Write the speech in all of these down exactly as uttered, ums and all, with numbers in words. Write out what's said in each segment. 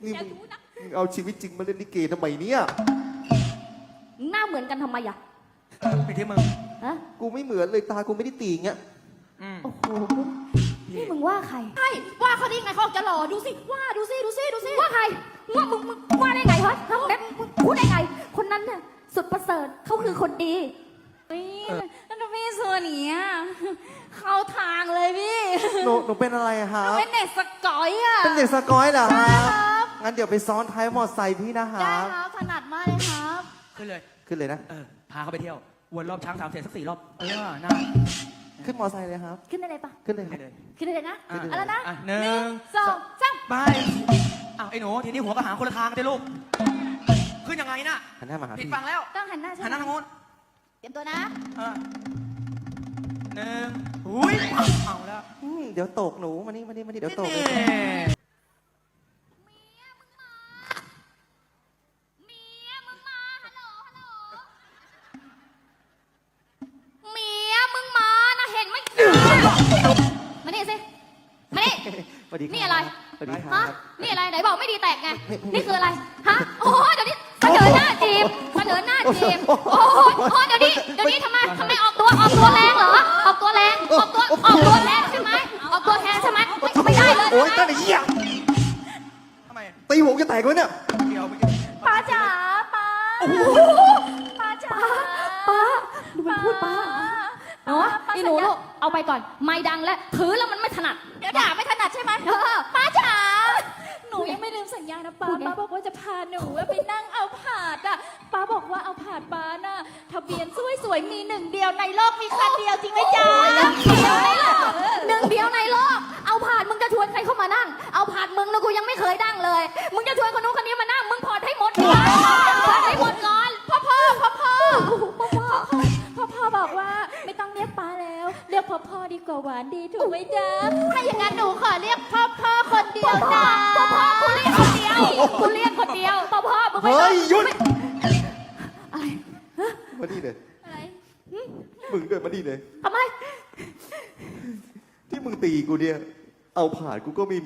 นี่มึงมึงเอาชีวิตจริงมาเล่นลิเกทำไมเนี่ยหน้าเหมือนกันทำไมอ่ะไปที่มึงฮะกูไม่เหมือนเลยตากูไม่ได้ตีอย่างเงี้ยอืมโอ้โหนี่มึงว่าใครใช่ว่าเขาได้ไงเขาจะหล่อดูสิว่าดูสิดูสิดูสิว่าใครว่ามึงมึงว่าได้ไงฮะฮะแบบมึงพูดได้ไง คนนั้นน่ะสุดประเสริฐเขาคือคนดีนี่นั่นพี่ส่วนนี้เข้าทางเลยพี่หนูหนูเป็นอะไรอะครับเป็นเด็กสกอยอ่ะเป็นเด็กสกอยเหรอคใช่รับครับงั้นเดี๋ยวไปซ้อนท้ายมอไซค์พี่นะคได้รับครับถนัดมากเลยครับขึ้นเลยขึ้นเลยนะเออ พาเขาไปเที่ยว วนรอบช้างสามเสร็จสักสี่รอบ เออ น่าขึ้นมอไซค์เลยครับขึ้นได้เลยปะขึ้นเลยคไปรับเลยขึ้นได้เลยนะอ่ะเอาแล้วนะอ่ะหนึ่งสองสามไปอ้าวไอ้หนู ทีนี้หัวก็หางคนละทางกันเลยลูก ขึ้นยังไงน่ะหันหน้ามาหาผิดพี่ฝั่งแล้วต้องหันหน้าใช่หันหไหมน้าทางโน้นเตรียมตัวนะเออหนึ่งอุ้ยเอาแล้วอืมเดี๋ยวตกหนูมานี่มานี่มานี่เดี๋ยวตกนี่เมียมึงมานะเห็นไหมมานี่สิมานี่สวัสดีคบนี่อะไรสวัสดีคฮะรับนี่อะไรไหนบอกไม่ดีแตกไงนี่คืออะไรฮะโอ้โหเดี๋ยวนี้เสนอหน้าจีบเสนอหน้าจีบโอ้โหโอ้โหเดี๋ยวนี้เดี๋ยวนี้ทำไมทำไมออกตัวออกตัวแรงเหรอออกตัวแรงออกตัวออกตัวแรงใช่ไหมออกตัวแทนใช่ไหมไม่ไม่ได้เลยโอ๊ยใช่ตั้ไหมงแต่เหี้ยทำไมตีหัวจะแตกเลยเนี่ยเดี๋ยวเมื่อกี้ป้าจ๋าป้าป้าจ๋าป้าดูมันพูดป้าเนาะนี่หนูลูกเอาไปก่อนไม่ดังแล้วถือแล้วมันไม่ถนัดเดี๋ยวด่าไม่ถนัดใช่ไหมเออป้าจ๋าหนูยังไม่ลืมสัญญานะป้าพูดไงป้าบอกว่าจะพาหนูไปนั่งเอาผาดอ่ะป้าบอกว่าเอาผาดป้าน่ะทะเบียนสวยๆมีหนึ่งเดียวในโลกมีคันเดียวจริงไหมจ๊ะหนึ่งเดียวในโลกเอาผ่านมึงจะชวนใครเข้ามานั่ง เอาผ่านมึงนะกูยังไม่เคยนั่งเลย มึงจะชวนคนนู้นคนนี้มานั่งมึงพอดให้หมดก่อนพอดให้หมดก่อนพ่อพ่อพ่อพ่อพ่อพ่อพ่อพ่อบอกว่าไม่ต้องเรียกป้าแล้ว เรียกพ่อพ่อดีกว่าหวานดีถูกไหมจ๊ะถ้าอย่างนั้นหนูขอเรียกพ่อพ่อคนเดียวนะพ่อพ่อกูเรียกคนเดียวกูเรียกคนเดียวพ่อพ่อมึงไม่เฮ้ต้องยหยุดอะไรมานี่เลยอะไรมึงเดินมานี่เลยทำไมที่มึงตีกูเนี่ย เอาผ่านกูก็ไม่มี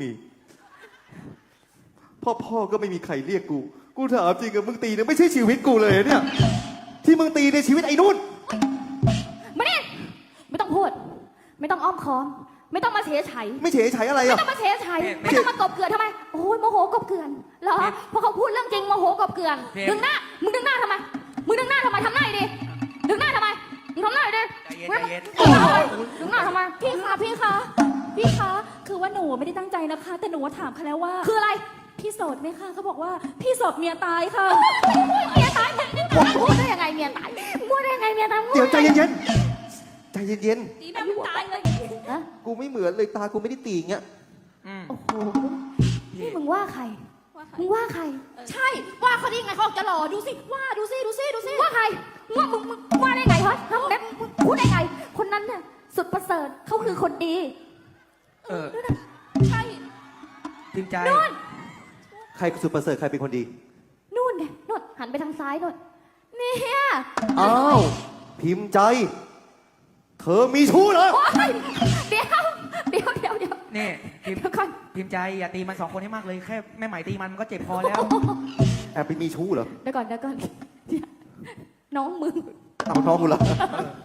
พ่อพ่อก็ไม่มีใครเรียกกู กูถามจริงกับมึงตีเนี่ยไม่ใช่ชีวิตกูเลยเนี่ย ที่มึงตีในชีวิตไอ้นุ่นมานี่ไม่ต้องพูด ไม่ต้องอ้อมค้อม ไม่ต้องมาเฉยไฉไม่เฉยเฉยอะไรไม่อ่ะต้องมาเฉยไฉไม่ต้องมากบเกลื่อนทำไม โอ้ยโมโหกบเกลื่อนเหรอเพราะเขาพูดเรื่องจริงโมโหกบเกลื่อนดึงหน้า มึงดึงหน้าทำไม มึงดึงหน้าทำไมทำหน้าดิดึงหน้าทำไมมึงทำหน้าดิใจเย็นใจเย็นดึงหน้าทำไมพี่คะพี่คะพี่คะคือว่าหนูไม่ได้ตั้งใจนะคะ แต่หนูถามเขาแล้วว่าคืออะไรพี่โสดไหมคะเขาบอกว่าพี่โสดเมียตายค่ะเมียตายมึงพูดได้ยังไงเมียตายพูดได้ยังไงเมียตายเดี๋ยวใจเย็นๆ ใจเย็นดีนะมันตายเลยฮะๆ กูไม่เหมือนเลยตากูไม่ได้ตีอย่างเงี้ยอืมโอ้โหนี่มึงว่าใคร มึงว่าใครใช่ว่าเขาได้ไงเขาจะหล่อดูสิว่าดูสิดูสิดูสิว่าใครว่ามึงมึงว่าได้ไงฮะแบบมึงพูดได้ไง คนนั้นน่ะสุดประเสริฐเขาคือคนดีเออใช่พิมพ์ใจใครสุดประเสริฐใครเป็นคนดีนู่นไงนู่นหันไปทางซ้ายนู่นเนี่ยอ้าว พิมพ์ใจ เธอมีชู้เหรอโอ๊ยเดี๋ยวเดี๋ยวเดี๋ยวเดี๋ยวนี่พิมพ์เดี๋ยวก่อนพิมพ์ใจอย่าตีมันสองคนให้มากเลย แค่แม่ไหมตีมันมันก็เจ็บพอแล้วแอบไปมีชู้เหรอเดี๋ยวก่อนเดี๋ยวก่อนเดี๋ยวน้องมึงเอาน้องกูเหรอ